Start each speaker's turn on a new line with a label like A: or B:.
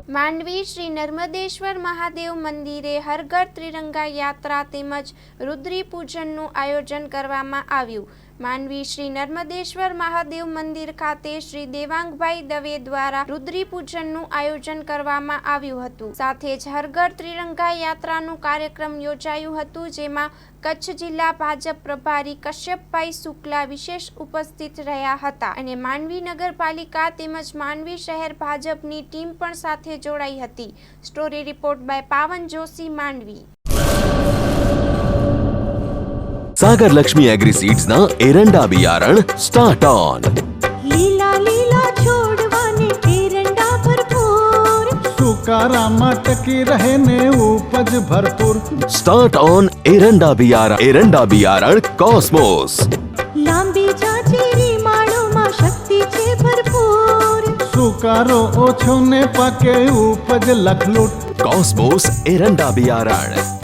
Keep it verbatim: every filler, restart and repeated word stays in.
A: માંડવી શ્રી નર્મદેશ્વર મહાદેવ મંદિરે હર ઘર ત્રિરંગા યાત્રા તેમજ રુદ્રી પૂજનનું આયોજન કરવામાં આવ્યું। માંડવી શ્રી નર્મદેશ્વર મહાદેવ મંદિર ખાતે શ્રી દેવાંગભાઈ દવે દ્વારા રુદ્રી પૂજનનું આયોજન કરવામાં આવ્યું હતું। સાથે જ હર ઘર ત્રિરંગા યાત્રાનું કાર્યક્રમ યોજાયું હતું, જેમાં કચ્છ જિલ્લા ભાજપ પ્રભારી કશ્યપભાઈ શુક્લા વિશેષ ઉપસ્થિત રહ્યા હતા અને માંડવી નગરપાલિકા તેમજ માંડવી શહેર ભાજપની ટીમ પણ સાથે જોડાઈ હતી। Story report by Pawan Joshi, Mandvi.
B: Sagar Lakshmi agri seeds ना एरंडा बियारण स्टार्ट ऑन।
C: લીલા લીલા છોડવાને એરંડા ભરપૂર,
D: સુકારામાં ટકી રહે ને ઉપજ ભરપૂર।
B: स्टार्ट ऑन एरंडा बियारण एरंડા बियारण कॉस्मोस।
C: લાંબી જાચેરી માળોમાં શક્તિ છે ભરપૂર,
D: સુકારો ઓછો ને પાકે ઉપજ લખલૂટ।
B: कॉस्मोस एरंડા बियारण।